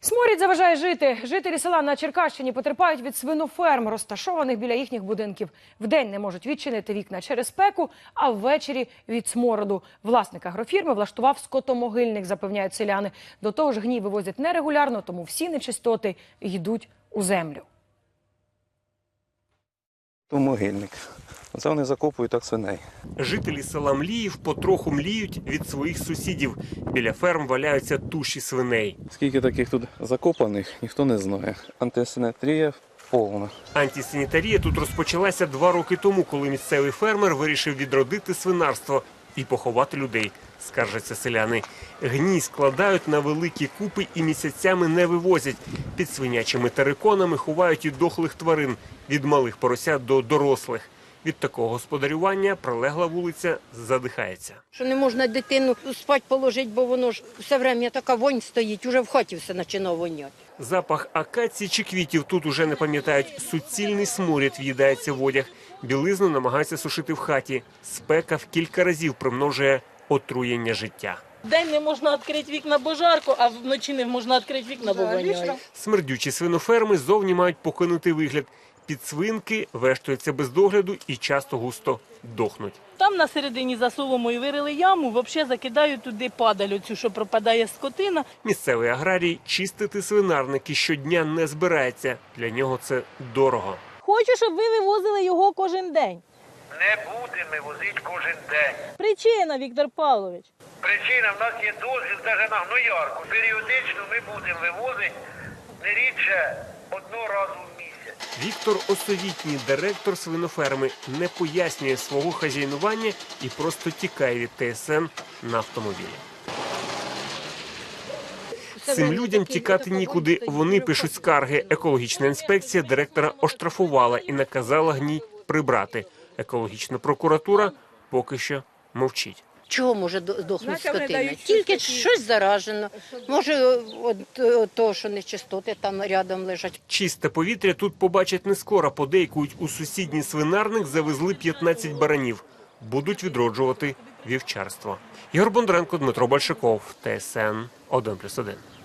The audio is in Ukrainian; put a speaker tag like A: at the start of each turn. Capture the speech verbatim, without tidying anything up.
A: Сморід заважає жити. Жителі села на Черкащині потерпають від свиноферм, розташованих біля їхніх будинків. Вдень не можуть відчинити вікна через спеку, а ввечері – від смороду. Власник агрофірми влаштував скотомогильник, запевняють селяни. До того ж, гній вивозять нерегулярно, тому всі нечистоти йдуть у землю.
B: То могильник. Оце вони закопують так свиней.
C: Жителі села Мліїв потроху мліють від своїх сусідів. Біля ферм валяються туші свиней.
B: Скільки таких тут закопаних, ніхто не знає. Антисанітарія повна.
C: Антисанітарія тут розпочалася два роки тому, коли місцевий фермер вирішив відродити свинарство і поховати людей, скаржаться селяни. Гній складають на великі купи і місяцями не вивозять. Під свинячими териконами ховають і дохлих тварин, від малих поросят до дорослих. Від такого господарювання прилегла вулиця задихається.
D: Що не можна дитину спать положити, бо воно ж все время така вонь стоїть, уже в хаті все починає воняти.
C: Запах акації чи квітів тут уже не пам'ятають. Суцільний сморід в'їдається в одяг. Білизну намагаються сушити в хаті. Спека в кілька разів примножує отруєння життя.
E: День не можна відкрити вікна, бо жарко, а вночі не можна відкрити вікна, бо воняє.
C: Смердючі свиноферми зовні мають покинутий вигляд. Підсвинки вештуються без догляду і часто густо дохнуть.
E: Там на середині за соломою вирили яму, взагалі закидають туди падаль оцю, що пропадає скотина.
C: Місцевий аграрій чистити свинарники щодня не збирається. Для нього це дорого.
E: Хочу, щоб ви вивозили його кожен день.
F: Не будемо возити кожен день.
E: Причина, Віктор Павлович.
F: Причина, в нас є дозвіл навіть на гноярку. Періодично ми будемо вивозити не рідше одного разу в місяць.
C: Віктор Осовітній, директор свиноферми, не пояснює свого хазяйнування і просто тікає від Те Ес Ен на автомобілі. Цим людям тікати нікуди. Вони пишуть скарги. Екологічна інспекція директора оштрафувала і наказала гній прибрати. Екологічна прокуратура поки що мовчить.
D: Чого може здохнути скотина? Тільки щось заражено. Може, от, от того, що нечистоти там рядом лежать.
C: Чисте повітря тут побачать не скоро. Подейкують, у сусідній свинарник завезли п'ятнадцять баранів. Будуть відроджувати вівчарство. Ігор Бондаренко, Дмитро Большаков, Те Ес Ен один плюс один.